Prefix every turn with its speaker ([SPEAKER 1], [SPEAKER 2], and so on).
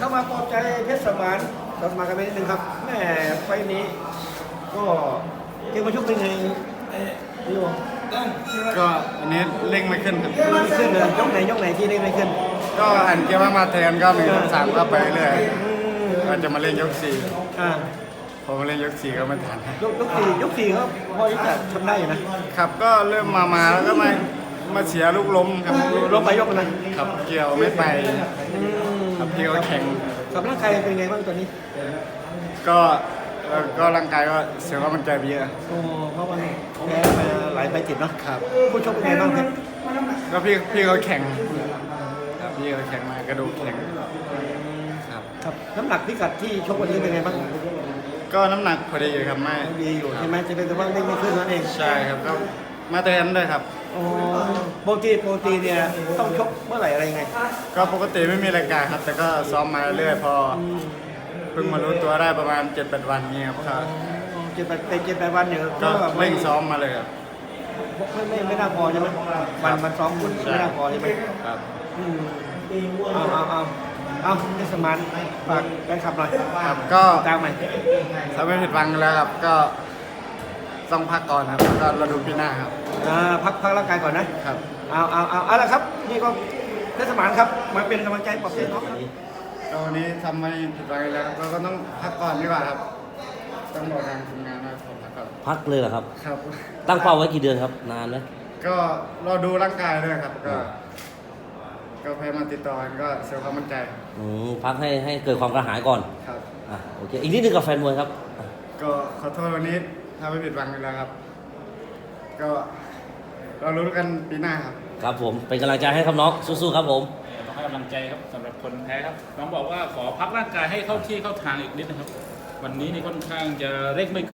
[SPEAKER 1] เข้ามาปลอบใจเพชรสมานเรามากันไปนิดนึงครับแม่ไฟนี้ก็เกมมาชุกเป็นไงพี่โอ
[SPEAKER 2] ก็อันนี้เร่งไม่ขึ้นครับ
[SPEAKER 1] ไม่ขึ้นเลยยกไหนที่เล่นไม่ขึ้น
[SPEAKER 2] ก็หันเกียร์มาแทนก็1 2 3ก็ไปเรื่อยก็จะมาเล่นยก4
[SPEAKER 1] อ่า
[SPEAKER 2] พอมาเล่นยก4ก็ไม่ทัน
[SPEAKER 1] ยกสี่ก็พอที่จะทำได้อยู่นะครับ
[SPEAKER 2] ก็เริ่มมาแล้วก็มาเสียลูกล้มครับ
[SPEAKER 1] ลงไปยกนะครับ
[SPEAKER 2] เกี่ยวไม่ไปครับเกี่ยวแข็ง
[SPEAKER 1] กับร่างกายเป็นไงบ้างตอนนี้
[SPEAKER 2] ก็ร่างกายก็เสียว่ามันใจไปเยอะ
[SPEAKER 1] โอ้เพราะมันแพ้มาหลายไฟติดเนาะ
[SPEAKER 2] ครับ
[SPEAKER 1] ผู้ชกเป็นไงบ้างเพชร
[SPEAKER 2] ก็พี่เขาแข็งครับพี่เขาแข็งมากระดูกแข็งครับ
[SPEAKER 1] ครับน้ำหนักพิกัดที่ชกวันนี้เป็นไงบ้าง
[SPEAKER 2] ก็น้ำหนักพอดีครับไม่
[SPEAKER 1] ดีอยู่ใช่ไหมจะเป็นแต่ว่าเล่นไม่ขึ้นนั่นเอง
[SPEAKER 2] ใช่ครับก็มาแทนด้วยครับ
[SPEAKER 1] อ๋อปกติเนี่ยต้องชกเมื่อไหร่อะไรยังไง
[SPEAKER 2] ก็ปกติไม่มีรายการครับ แต่ก็ซ้อมมาเรื่อยๆพอเพิ่งมารู้ตัวได้ประมาณ 7-8 วันนี้ครับครับ
[SPEAKER 1] 7-8 วันเนี่ย
[SPEAKER 2] ก็เร่งซ้อมมาเลยครับ
[SPEAKER 1] ไม่น่าพอใช่ไหมวันซ้อมคุณไม่น่าพอใช่ไหม
[SPEAKER 2] ครับ
[SPEAKER 1] เอาเทศมานฝากแฟนคลับหน่อย
[SPEAKER 2] ครับก็
[SPEAKER 1] ตามใหม่
[SPEAKER 2] ถ้าไม่ผิดหวังแล้วครับก็ต้องพักก่อนครับแล้วก็เราดูปีหน้าครับ
[SPEAKER 1] พักร่างกายก่อนนะครับ เอาละครับนี่ก็เทศมานครับมาเป็นกำลังใจปลอบใจน้องครับ
[SPEAKER 2] ก็วันนี้ทำไม่ผิดหวังอีกแล้วก็ต้องพักก่อนดีกว่าครับ ต้องบอกทางทีมงานว่าผมพักก่อน
[SPEAKER 3] พักเลยเหรอครับ
[SPEAKER 2] ครับ
[SPEAKER 3] ตั้งเป้าไว้กี่เดือนครับ นานไหม
[SPEAKER 2] ก็รอดูร่างกายด้วยครับ ก็พยายามมาติดต่อกันก็เสริมความมั่นใจ
[SPEAKER 3] พักให้เกิดความกระหายก่อน
[SPEAKER 2] ครับ
[SPEAKER 3] โอเค อีกนิดนึงกับแฟนมวยครับ
[SPEAKER 2] ก็ขอโทษวันนี้ถ้าไม่ผิดหวังอีกแล้วครับ ก็เรารู้กันปีหน้าครับ
[SPEAKER 3] ครับผม เป็นกำลังใจให้ครับน้อง สู้ๆครับผม
[SPEAKER 4] ต้องให้กำลังใจครับสำหรับคนแพ้ครับน้องบอกว่าขอพักร่างกายให้เข้าที่เข้าทางอีกนิดนะครับ วันนี้นี่ค่อนข้างจะเร่งไม่